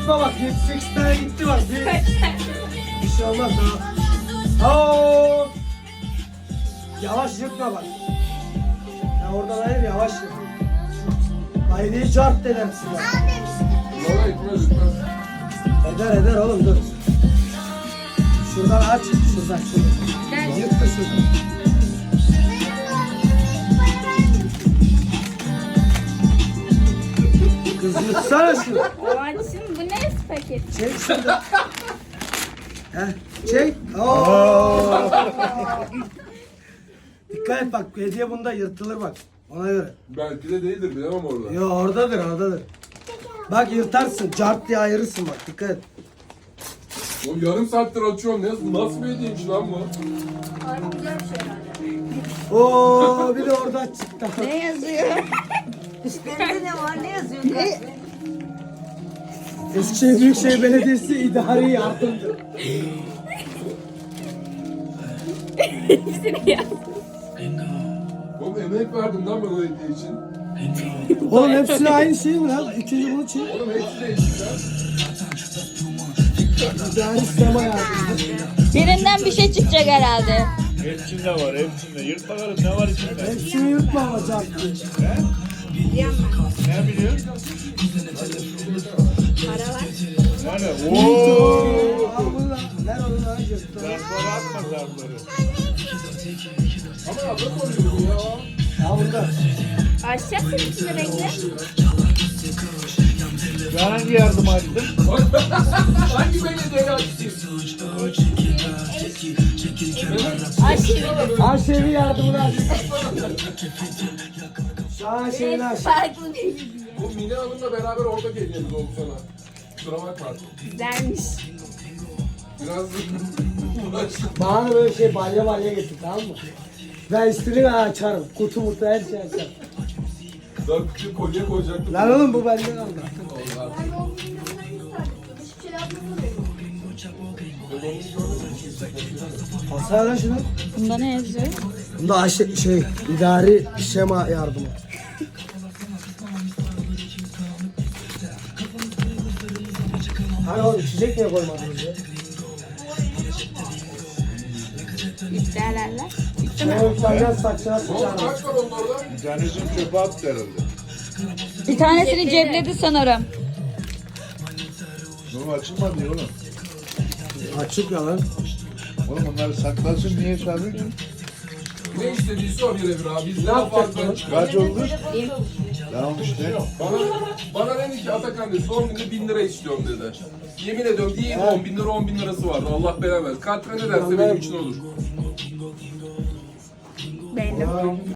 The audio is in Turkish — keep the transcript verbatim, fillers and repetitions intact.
yırtma bak. yedi sekiz tane gitti bak. Bir, bir şey olmaz daha. Oo. Yavaş yırtma bak. Ya oradan hayır yavaş yırt. Haydi'yi çarp edersin ya. Yola gitmez gitmez. Eder eder oğlum dur. Şuradan aç. Şuradan şuradan. Yırt da şuradan. Kız yırtsana şunu. Babacığım bu ne paket? Çek şunu. Heh, çek. Oo. Dikkat et bak, hediye bunda yırtılır bak. Ona göre. Belki de değildir bilemem orada. Yo oradadır, oradadır. Bak yırtarsın, cart diye ayırırsın bak, dikkat et. O yarım saattir açıyorum. Ne, nasıl bir hediyeymiş lan bu? Abi güzel bir şey herhalde. Oo, bir de oradan çıktı. Ne yazıyor? Üstlerinde ne var? Ne yazıyor? Ne? Eskişehir Büyükşehir Belediyesi idari yardımdır. Hepsini yaz. Oğlum emek verdim lan ben o hediye için. Oğlum hepsine aynı şey mi lan? İkinci bunu çek. Oğlum hepsi değişik lan. İdari sistema yardımdır. Birinden bir şey çıkacak herhalde. Hepsinde var, hepsinde. Yırt bakalım ne var içinde? Hepsini yırtma ama cart diye. Ne biliyorsun? Para var. Yani ooo. Al bunu lan. Ver onu lan yırttı. Zarfları atma zarfları. Ama adam oluyor bu ya. Al bunu da. Açacaksın içinde bekle. Ben hangi yardım açtım? Hangi belediyeyi açtın? Aşırı. Aşevi yardımını aç. Şahan şeyini aç. Farklı bir hediye. Bu Mine Hanım'la beraber orada hediyemiz oldu sana. Kusura bakma. Güzelmiş. Biraz uğraştım. Bana böyle şey balya balya getir, tamam mı? Ben istediğimi açarım. Kutu mutu her şey açarım. Daha küçük kolye koyacaktım. Lan oğlum bu benden aldı. Basar lan şunu. Bunda ne yazıyor? Bunda aşı, şey, idari şema yardımı. Hani oğlum içecek niye koymadınız ya? İptalerler. Ben utanacağız saçına Oğlum sıçarım. kaç var onun orada? Bir tanesini çöpe attı herhalde. Bir tanesini cepledi sanırım. Oğlum açılmadı ya oğlum. Açık ya lan. Oğlum onları saklasın niye sarıyorsun? Ne istediyse o birebir abi. Biz ne yapacak yaparsak lan? çıkar. Kaç oldu? Tamam işte. Bana, bana dedi ki Atakan dedi son günde bin lira istiyorum dedi. Yemin ediyorum değil on bin lira on bin lirası vardı. Allah belamaz. Katre ne derse benim için olur. Beğendim.